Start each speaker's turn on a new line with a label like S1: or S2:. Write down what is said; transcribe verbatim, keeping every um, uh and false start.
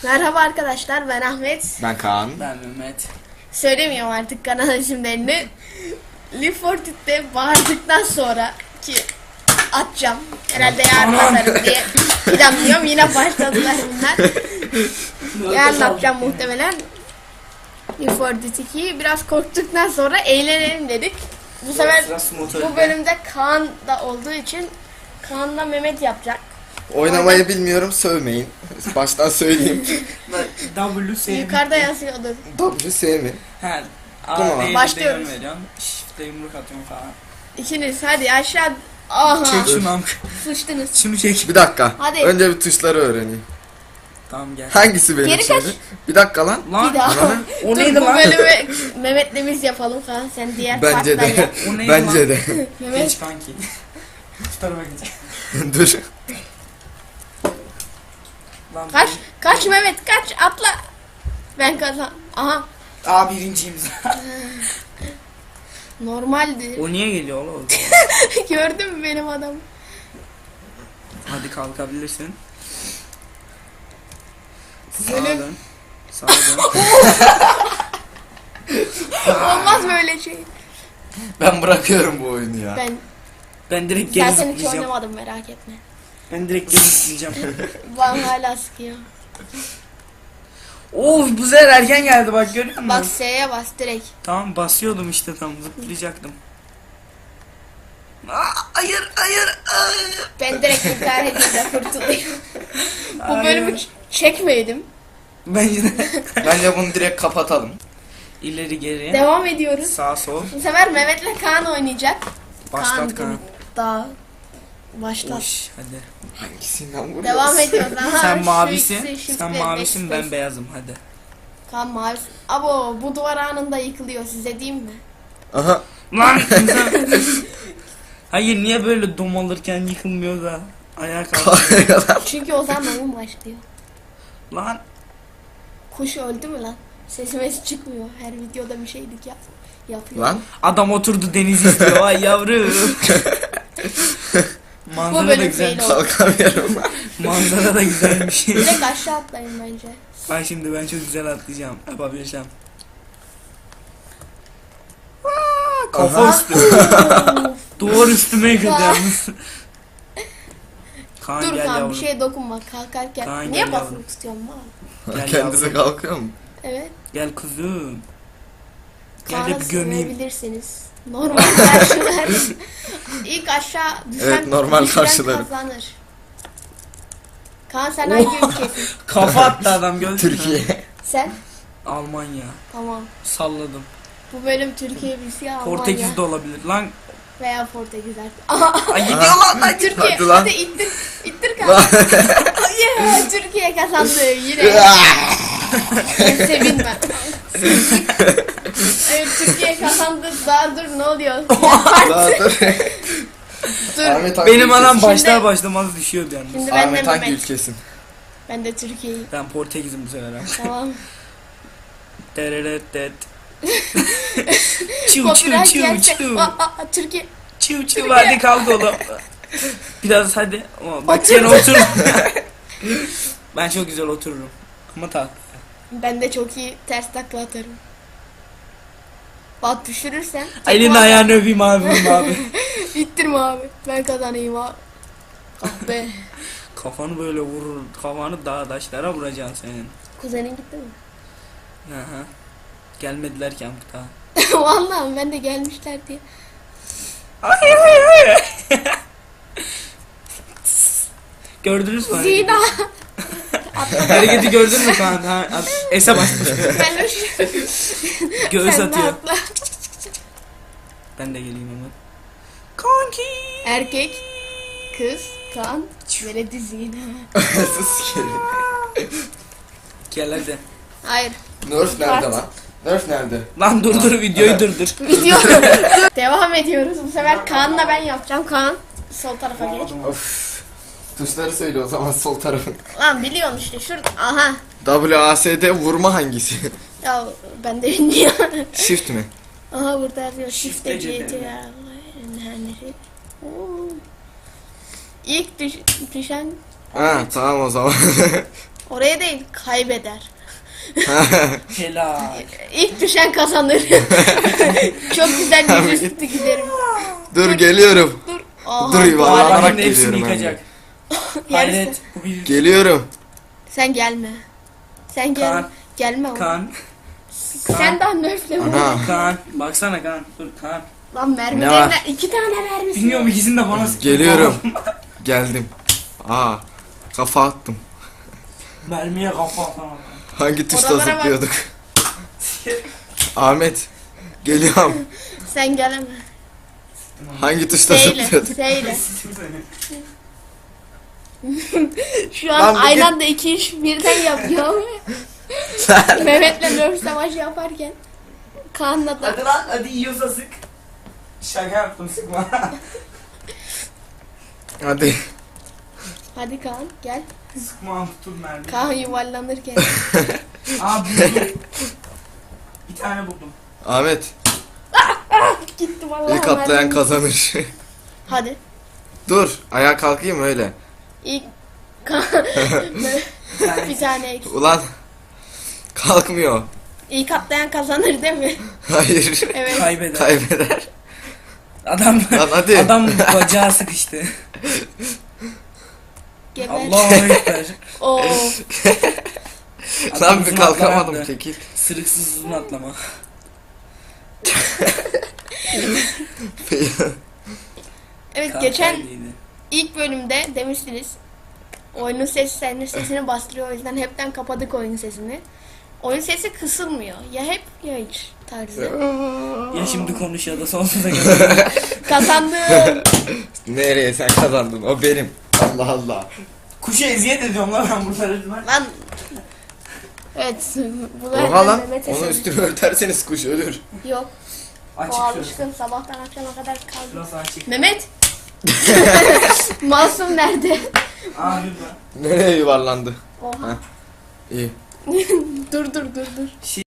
S1: Merhaba arkadaşlar, ben Ahmet.
S2: Ben Kaan.
S3: Ben Mehmet.
S1: Söylemiyorum artık kanal isimlerini. Leaf Fortnite'de bağırdıktan sonra ki atacağım. Herhalde yarın atarım diye planlıyorum. Yine başladılar bunlar. Yarın atacağım muhtemelen. Leaf Fortnite ikiyi biraz korktuktan sonra eğlenelim dedik. Bu sefer bu bölümde Kaan da olduğu için Kaan'la Mehmet yapacak.
S2: Oynamayı
S1: Aynen.
S2: bilmiyorum, sövmeyin. Baştan söyleyeyim.
S3: W S.
S1: Yukarıda yazıyordur.
S2: W sevmeyin.
S3: He.
S2: Tamam.
S3: A'ya
S1: Başlıyoruz.
S3: veriyorum. Shift'e yumruk atıyorum falan.
S1: İkiniz hadi aşağı. Aha.
S3: Çek şunu amk.
S1: Sıçtınız.
S3: Şunu çek.
S2: Bir dakika.
S1: Hadi.
S2: Önce bir tuşları öğreneyim.
S3: Tamam gel.
S2: Hangisi benim
S1: Geri
S2: şimdi?
S1: kaç.
S2: Bir dakika lan.
S3: Lan.
S1: Bir daha.
S3: O
S1: Dur,
S3: neydi
S1: bu
S3: lan?
S1: bölümü Mehmet'le biz yapalım falan. Sen diğer
S2: Bence
S1: partla
S2: de.
S1: yap.
S3: O neydi
S2: Bence
S3: lan?
S2: de.
S1: Mehmet
S3: Geç kanki. Şu tarafa gidecek.
S2: Dur.
S3: Lan
S1: kaç kaç Mehmet kaç atla. Ben kazan. Aha
S3: Aa birinciyim zaten.
S1: normaldi.
S3: O niye geliyor oğlum?
S1: Gördün mü benim adamı?
S3: Hadi kalkabilirsin. Sağa
S1: Bölüm-
S3: dön. Sağa dön.
S1: Olmaz böyle şey.
S2: Ben bırakıyorum bu oyunu ya.
S1: Ben
S3: Ben direkt geri
S1: zaten hiç
S3: zıplayacağım.
S1: oynamadım merak etme.
S3: Ben direkt geri zıplayacağım.
S1: Bana hala sıkıyor.
S3: Of bu sefer erken geldi bak görüyor musun?
S1: Bak S'ye bas direkt.
S3: Tamam basıyordum işte tam zıplayacaktım. Aa, hayır hayır hayır.
S1: Ben direkt intihar edince kurtulayım. Bu
S3: Hayır.
S1: bölümü ç- çekmeydim.
S3: Bence de.
S2: Bence bunu direkt kapatalım.
S3: İleri geri.
S1: Devam ediyoruz.
S3: Sağ sol.
S1: Bu sefer Mehmet'le Kaan oynayacak.
S3: Başlat Kaan.
S1: Daha başlat.
S3: Uş, hadi.
S2: Hangisinden vuruyorsun?
S1: Devam ediyoruz. Aha,
S3: Sen
S1: şu
S3: mavisin.
S1: ikisi, shift
S3: Sen
S1: ve
S3: mavisin ben
S1: backspace.
S3: beyazım hadi.
S1: Kaan mavi. Abo bu duvar anında yıkılıyor size diyeyim mi?
S2: Aha.
S3: Lan insan. Hayır niye böyle domalırken yıkılmıyor da ayağa kalkıyor.
S1: Çünkü o zaman oyun başlıyor.
S3: Lan
S1: Kuş öldü mü lan? Sesimiz çıkmıyor. Her videoda bir şeydik yap yapıyor.
S2: Lan.
S3: adam oturdu deniz istiyor ay yavrum.
S1: Bu
S3: Manzara da
S1: bölüm
S3: güzel.
S1: fail oldu.
S2: Kalkamıyorum.
S3: Manzara da güzelmiş.
S1: Direkt aşağı atlayın bence.
S3: Bak şimdi ben çok güzel atlayacağım. Yapabileceğim. Kafa
S2: Aha.
S3: üstü. Duvar üstüme yıkıldı
S1: Vay.
S3: yalnız. Kaan
S1: Dur
S3: gel
S1: Kaan
S3: yavrum.
S1: bir şeye dokunma kalkarken.
S3: Kaan,
S1: Niye
S3: gel
S1: basılı
S3: yavrum.
S1: tutuyorsun lan?
S3: Gel
S2: Kendisi
S3: yavrum.
S2: kalkıyor mu?
S1: Evet.
S3: Gel kuzum. Gel
S1: Kaan'ı
S3: de bir gömeyim.
S1: sevebilirsiniz. Normal karşılar. İlk aşağı düşen,
S2: Evet, normal
S1: düşüren
S2: karşılarım.
S1: kazanır. Kaan sen hangi ülkesin?
S3: Kafa attı adam gördün mü?
S2: Türkiye.
S1: Sen?
S3: Almanya.
S1: Tamam.
S3: Salladım.
S1: Bu bölüm Türkiye birisi Almanya
S3: Portekiz de olabilir. Lan.
S1: veya Portekiz artık.
S3: Ay gidiyor lan. Ay.
S1: Türkiye.
S2: Hadi
S1: Hadi,
S2: lan.
S1: ittir. İttir Kaan. Yeah, Türkiye kazandı yine. Ben sevinmem. Evet Türkiye kazandı. Daha dur ne oluyor?
S2: Daha dur.
S1: Dur.
S2: Ahmet hangi
S3: Benim anam
S2: ülkesin?
S3: başlar başlamaz düşüyordu yalnız.
S1: Şimdi ben de
S2: Ahmet hangi
S1: Mehmet.
S2: ülkesin?
S1: Ben de Türkiye'yim.
S3: Ben Portekiz'im bu sefer abi.
S1: Tamam.
S3: Tereret. Çiu çiu
S1: Copyright
S3: çiu
S1: gelse.
S3: çiu.
S1: Aa, aa, Türkiye.
S3: Çiu çiu hadi kalk oğlum. Biraz hadi. Ama bak
S1: Otur.
S3: sen otur. Ben çok güzel otururum. Ama tak.
S1: Ben de çok iyi ters takla atarım. Bak düşürürsen.
S3: Elini
S1: tekme
S3: ayağını öpeyim abi abi.
S1: İttirme abi. Ben kazanayım abi. Ah be.
S3: Kafanı böyle vurur. Kafanı dağ taşlara vuracaksın senin.
S1: Kuzenin gitti mi?
S3: Hı hı. Gelmediler ki amk daha.
S1: Vallahi ben de gelmişler diye.
S3: Ay ay ay. Gördünüz mü?
S1: Zina.
S3: Hareketi gördün mü Kaan? Ha, at- Ese basmış.
S1: Ben hoş.
S3: Göğüs
S1: Sen de
S3: atıyor.
S1: atla.
S3: Ben de geleyim hemen. Kanki.
S1: Erkek, kız, kan, veledi zina.
S2: Sus sikerim.
S3: Gel hadi.
S1: Hayır.
S2: Nerf nerede
S1: Kart.
S2: lan? Nerf nerede?
S3: Lan durdur videoyu durdur.
S1: Video. Devam ediyoruz. Bu sefer Kaan'la ben yapacağım. Kaan sol tarafa geç.
S2: Of. Tuşları söyle o zaman sol tarafın.
S1: Lan biliyorsun işte şurada. Aha.
S2: W A S D vurma hangisi?
S1: Ya ben de bilmiyorum.
S2: Shift mi?
S1: Aha burada yazıyor.
S3: Shift
S1: Shift'e
S3: C
S1: C
S3: T.
S1: T. İlk düş düşen
S2: Ha tamam o zaman.
S1: Oraya değil, kaybeder.
S3: Helal.
S1: İlk düşen kazanır. Çok güzel bir üstü giderim.
S2: Dur geliyorum.
S1: Dur. Aha,
S2: Dur, yuvarlanarak
S3: Yuvarlanın hepsini
S2: geliyorum ben de.
S3: yıkacak.
S1: Yarısı.
S3: Hayret. Bu bir
S2: Geliyorum.
S1: Sen gelme. Sen gel.
S3: Kaan.
S1: Gelme oğlum.
S3: kan.
S1: Sen daha nöfle mi?
S2: Ana.
S3: Kan. Baksana kan. Dur kan.
S1: Lan
S2: Ne
S1: mermilerinden
S2: var?
S1: iki tane mermisi.
S3: Bilmiyorum ikisini de bana sıkıyor.
S2: Geliyorum. Geldim. Aa. Kafa attım.
S3: Mermiye kafa atamam.
S2: Hangi tuşla
S1: Oralara bak.
S2: zıplıyorduk? Ahmet. Geliyorum.
S1: Sen geleme.
S2: Hangi tuşla
S1: Seyle.
S2: zıplıyorduk?
S1: Seyle. Şu
S2: Lan
S1: an
S2: bir
S1: aynı
S2: git.
S1: anda iki iş birden yapıyor. Mehmet'le Nöf savaşı yaparken. Kaan'la da.
S3: Hadi lan hadi yiyorsa sık. Şaka yaptım sıkma.
S2: Hadi.
S1: Hadi Kaan gel.
S3: Sıkma tutun mermi.
S1: Kaan yuvarlanırken.
S3: Aa buldum. Bir tane buldum.
S2: Ahmet.
S1: Gitti vallahi.
S2: İlk atlayan
S1: mermim.
S2: kazanır.
S1: Hadi.
S2: Dur. Ayağa kalkayım öyle.
S1: İlk Kaan.
S3: Bir tane.
S1: Bir tane eksik.
S2: Ulan. Kalkmıyor.
S1: İlk atlayan kazanır değil mi?
S2: Hayır.
S1: Evet.
S3: Kaybeder.
S2: Kaybeder.
S3: Adam
S2: Lan hadi.
S3: adam bacağı sıkıştı.
S1: Geber.
S3: Allahu ekber.
S1: Oo.
S2: Lan bir
S3: uzun
S2: kalkamadım
S3: atlamadı.
S2: çekil.
S3: Sırıksız uzun atlama.
S1: Evet
S3: Kaan
S1: geçen
S3: kaybıydı.
S1: ilk bölümde demiştiniz. Oyunun sesi senin sesini bastırıyor, o yüzden hepten kapadık oyun sesini. Oyun sesi kısılmıyor. Ya hep ya hiç tarzı.
S3: Ya şimdi konuş ya da sonsuza kadar.
S1: Kazandım.
S2: Nereye sen kazandın? O benim. Allah Allah.
S3: Kuşa eziyet ediyorum lan ben burada resmen.
S1: Lan. Evet. Bu da
S2: Oha lan.
S1: Mehmet'e
S2: Onu
S1: sesi-
S2: üstüme örterseniz kuş ölür.
S1: Yok. O
S3: Açık şurası.
S1: alışkın sabahtan akşama kadar kaldı.
S3: Şurası açık.
S1: Mehmet. Masum nerede?
S3: Aa lütfen.
S2: Nereye yuvarlandı?
S1: Oha.
S2: İyi.
S1: dur dur dur dur.